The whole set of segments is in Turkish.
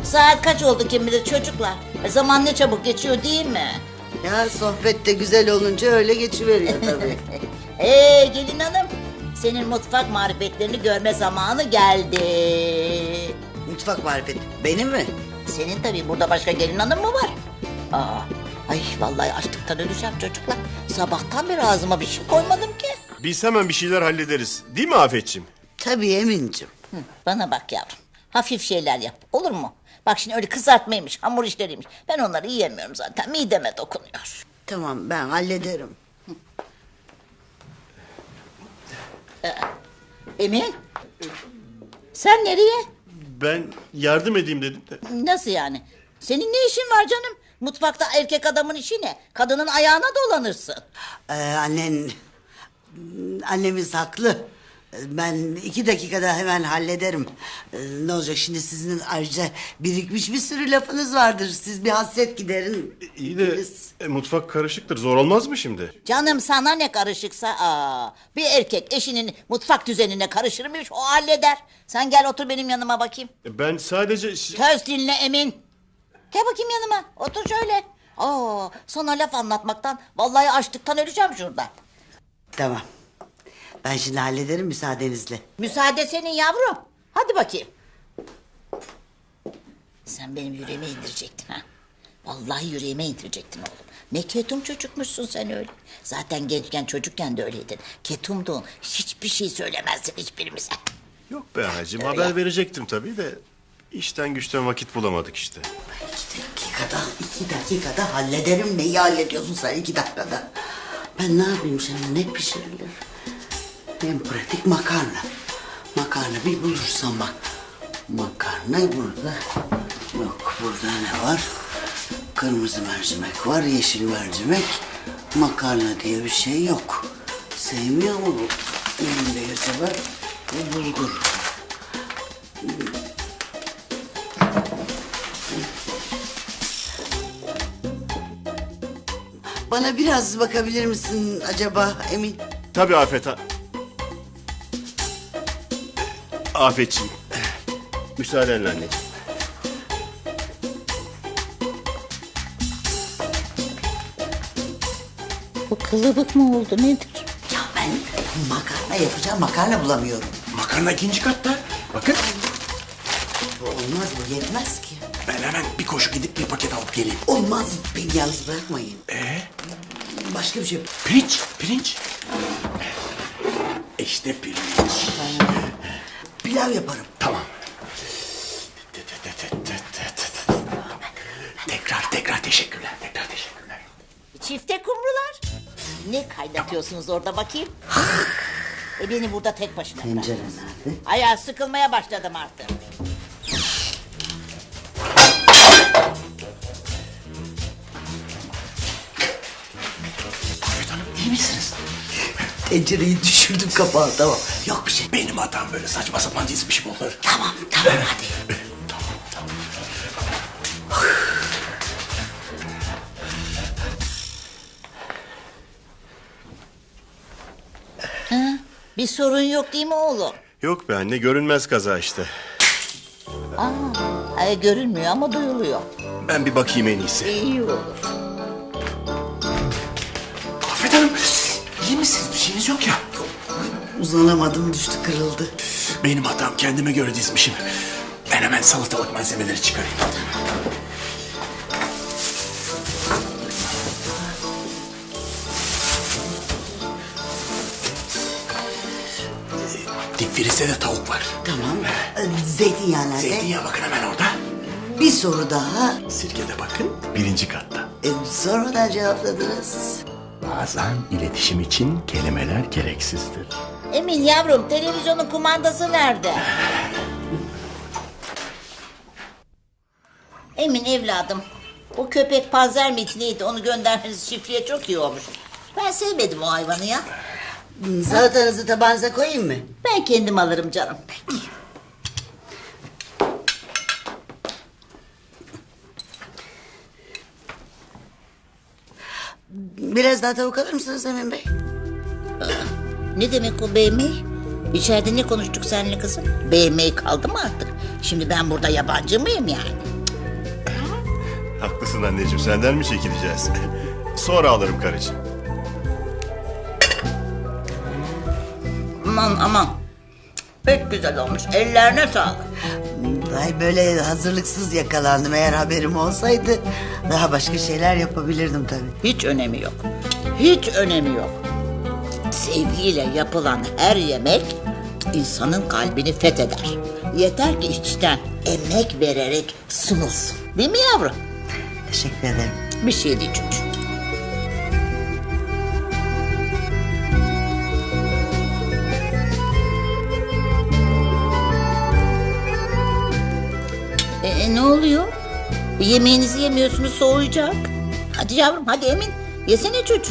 Saat kaç oldu kim bilir çocuklar. Zaman ne çabuk geçiyor değil mi? Ya sohbet de güzel olunca öyle geçiveriyor tabii. Gelin hanım. Senin mutfak marifetlerini görme zamanı geldi. Mutfak marifeti. Benim mi? Senin tabii, burada başka gelin hanım mı var? Aa, ay vallahi açlıktan öleceğim çocuklar. Sabahtan beri ağzıma bir şey koymadım ki. Biz hemen bir şeyler hallederiz. Değil mi Afetciğim? Tabii Emin'cim. Hı, bana bak yavrum. Hafif şeyler yap, olur mu? Bak şimdi öyle kızartmaymış, hamur işleriymiş. Ben onları yiyemiyorum zaten. Mideme dokunuyor. Tamam ben hallederim. Emin? Sen nereye? Ben yardım edeyim dedim de. Nasıl yani? Senin ne işin var canım? Mutfakta erkek adamın işi ne? Kadının ayağına dolanırsın. Annemiz haklı. Ben 2 dakikada hemen hallederim. Ne olacak şimdi, sizin ayrıca birikmiş bir sürü lafınız vardır. Siz bir hasret giderin. İyi de mutfak karışıktır. Zor olmaz mı şimdi? Canım sana ne karışıksa bir erkek eşinin mutfak düzenine karışır mıymış, o halleder. Sen gel otur benim yanıma bakayım. Ben sadece... Söz dinle Emin. Gel bakayım yanıma, otur şöyle. Sana laf anlatmaktan vallahi açlıktan öleceğim şurada. Tamam. Ben şimdi hallederim müsaadenizle. Müsaade senin yavrum. Hadi bakayım. Sen benim yüreğime indirecektin ha. Vallahi yüreğime indirecektin oğlum. Ne ketum çocukmuşsun sen öyle. Zaten gençken çocukken de öyleydin. Ketumdun. Hiçbir şey söylemezdin hiçbirimize. Yok be anacığım, haber verecektim tabii de... işten güçten vakit bulamadık işte. 2 dakikada hallederim. Neyi hallediyorsun sen 2 dakikada? Ben ne yapayım şimdi, ne pişirilir? En pratik makarna. Makarna bir bulursam bak. Makarna burada. Yok, burada ne var? Kırmızı mercimek var, yeşil mercimek. Makarna diye bir şey yok. Sevmiyor mu bu? Elimde yasa var. Bu bulgur. Bana biraz bakabilir misin acaba Emin? Tabii Afet ha. Afetciğim. Müsaadenle anneciğim. Bu kılıbık mı oldu nedir? Ya ben makarna yapacağım, makarna bulamıyorum. Makarna 2. katta. Bakın. Bu olmaz, bu yetmez ki. Ben hemen bir koşu gidip bir paket alıp geleyim. Olmaz, beni yalnız bırakmayın. Başka bir şey. Pirinç, pirinç. İşte pirinç. Pilav yaparım. Tamam. Tekrar teşekkürler. Tekrar teşekkürler. Çifte kumrular. Ne kaynatıyorsunuz orada bakayım? Beni burada tek başına bırak. Tencere nerede? Ayağı sıkılmaya başladım artık. Afet Hanım, iyi misiniz? Tencereyi düşürdüm kapağı, tamam. Yok bir şey. Benim hatam, böyle saçma sapan dizmişim onları. Tamam hadi. Tamam. Bir sorun yok değil mi oğlum? Yok be anne, görünmez kaza işte. Görünmüyor ama duyuluyor. Ben bir bakayım en iyisi. İyi olur. Afet Hanım, iyi misiniz? Bir şeyiniz yok ya. Uzanamadım, düştü, kırıldı. Benim hatam, kendime göre dizmişim. Ben hemen salatalık malzemeleri çıkarayım. Dip frizde de tavuk var. Tamam. Zeytinyağı nerede? Zeytinyağı bakın hemen orada. Bir soru daha. Sirke de bakın 1. katta. Sonradan cevapladınız. Bazen iletişim için kelimeler gereksizdir. Emin yavrum, televizyonun kumandası nerede? Emin evladım, o köpek panzer miydi neydi, onu göndermeniz çiftliğe çok iyi olmuş. Ben sevmedim o hayvanı ya. Salatanızı tabağınıza koyayım mı? Ben kendim alırım canım. Peki. Biraz daha tavuk alır mısınız Emin Bey? Ne demek o beğenmeyi? İçeride ne konuştuk seninle kızım? Beğenmeyi kaldı mı artık? Şimdi ben burada yabancı mıyım yani? Haklısın anneciğim, senden mi çekileceğiz? Sonra alırım karıcığım. Aman aman. Pek güzel olmuş. Ellerine sağlık. Ay böyle hazırlıksız yakalandım. Eğer haberim olsaydı daha başka şeyler yapabilirdim tabii. Hiç önemi yok. Hiç önemi yok. Sevgiyle yapılan her yemek insanın kalbini fetheder. Yeter ki içten emek vererek sunulsun. Değil mi yavrum? Teşekkür ederim. Bir şey değil çocuğum. Ne oluyor? Yemeğinizi yemiyorsunuz, soğuyacak. Hadi yavrum, hadi Emin. Yesene çocuğum.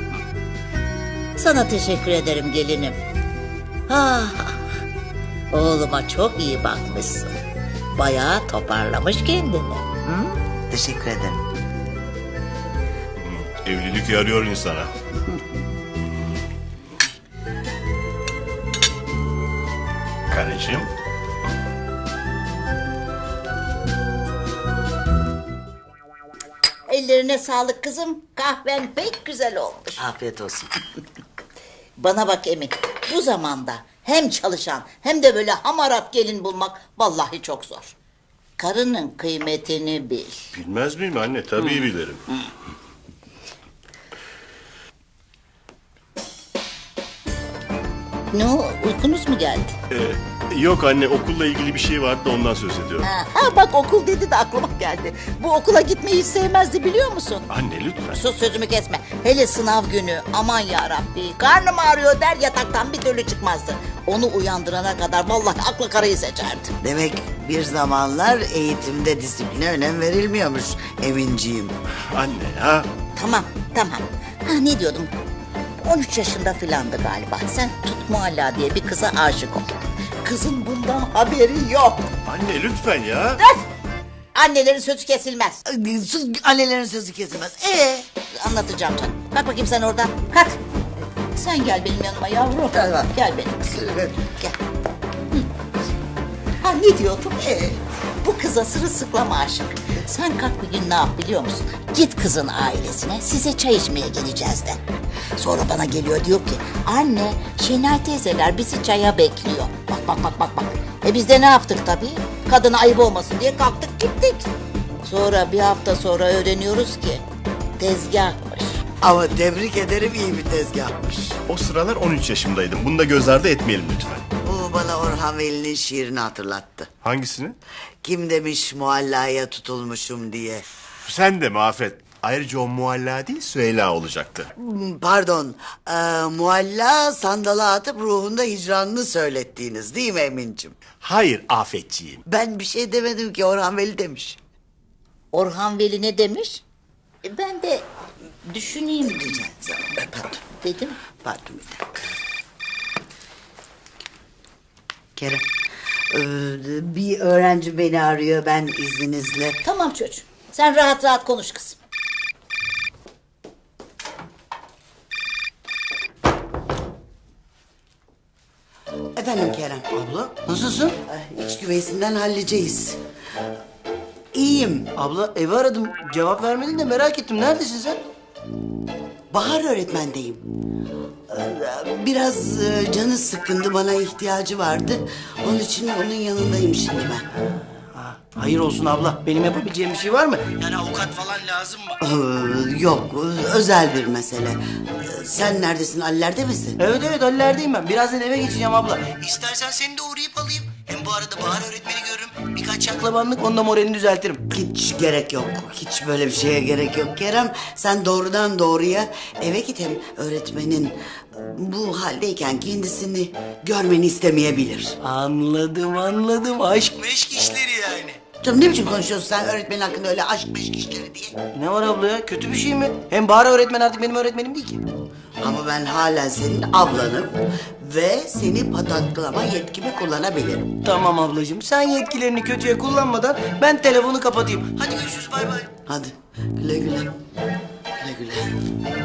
Sana teşekkür ederim gelinim. Ah, oğluma çok iyi bakmışsın. Bayağı toparlamış kendini. Hı? Teşekkür ederim. Evlilik yarıyor insana. Karıcığım. Ellerine sağlık kızım. Kahven pek güzel olmuş. Afiyet olsun. Bana bak Emin, bu zamanda hem çalışan hem de böyle hamarat gelin bulmak vallahi çok zor. Karının kıymetini bil. Bilmez miyim anne? Tabii bilirim. Ne o, uykunuz mu geldi? Yok anne, okulla ilgili bir şey vardı da ondan söz ediyorum. Ha bak, okul dedi de aklıma geldi. Bu okula gitmeyi hiç sevmezdi, biliyor musun? Anne lütfen. Sus, sözümü kesme. Hele sınav günü, aman yarabbi, karnım ağrıyor der, yataktan bir türlü çıkmazdı. Onu uyandırana kadar vallahi aklı karayı seçerdi. Demek bir zamanlar eğitimde disipline önem verilmiyormuş Eminciğim. Anne ya. Tamam. Ha, ne diyordum? 13 yaşında filandı galiba. Sen Tut Mualla diye bir kıza aşık oldun. Kızın bundan haberi yok. Anne lütfen ya. Öf! Annelerin sözü kesilmez. Sus, annelerin sözü kesilmez. Anlatacağım canım. Kalk bakayım sen oradan. Kalk. Sen gel benim yanıma yavrum. Tamam. Gel benim kızım. Gel. Hı. Ha, ne diyordum? Bu kıza sırılsıklam aşık. Sen kalk bir gün ne yap biliyor musun? Git kızın ailesine, size çay içmeye geleceğiz de. Sonra bana geliyor, diyor ki anne, Şenay teyzeler bizi çaya bekliyor. Bak. Biz de ne yaptık tabii? Kadına ayıp olmasın diye kalktık gittik. Sonra bir hafta sonra öğreniyoruz ki tezgahmış. Ama tebrik ederim, iyi bir tezgahmış. O sıralar 13 yaşımdaydım. Bunu da göz ardı etmeyelim lütfen. Bu bana Orhan Veli'nin şiirini hatırlattı. Hangisini? Kim demiş muallaya tutulmuşum diye. Sen de mi Afet? Ayrıca o mualla değil, Süheyla olacaktı. Pardon, mualla sandala atıp ruhunda hicranını söylettiğiniz değil mi Emin'cim? Hayır Afetciğim. Ben bir şey demedim ki, Orhan Veli demiş. Orhan Veli ne demiş? Ben de düşüneyim diyeceğim. Pardon, Dedim. pardon bir dakika. Kerem, bir öğrenci beni arıyor, ben izninizle. Tamam çocuğum. Sen rahat rahat konuş kızım. Efendim Kerem. Abla nasılsın? İç güveysinden halledeceğiz. İyiyim. Abla evi aradım. Cevap vermedin de merak ettim. Neredesin sen? Bahar öğretmendeyim. Biraz canı sıkkındı, bana ihtiyacı vardı. Onun için onun yanındayım şimdi ben. Hayır olsun abla. Benim yapabileceğim bir şey var mı? Yani avukat falan lazım mı? Yok, özel bir mesele. Sen neredesin, Ali'lerde misin? Evet Halilerdeyim ben. Birazdan eve geçeceğim abla. İstersen seni de uğrayıp alayım. Hem bu arada Bahar öğretmeni görürüm. Birkaç şaklabanlık, onda moralini düzeltirim. Hiç gerek yok. Hiç böyle bir şeye gerek yok Kerem. Sen doğrudan doğruya eve git, hem öğretmenin bu haldeyken kendisini görmeni istemeyebilir. Anladım. Aşk meşk işleri yani. Canım, ne biçim konuşuyorsun sen öğretmenin hakkında öyle aşk meşk işleri diye? Ne var abla ya? Kötü bir şey mi? Hem Bahar öğretmen artık benim öğretmenim değil ki. Ama ben hala senin ablanım ve seni pataklama yetkimi kullanabilirim. Tamam ablacığım. Sen yetkilerini kötüye kullanmadan ben telefonu kapatayım. Hadi görüşürüz, bay bay. Hadi güle güle. Güle güle.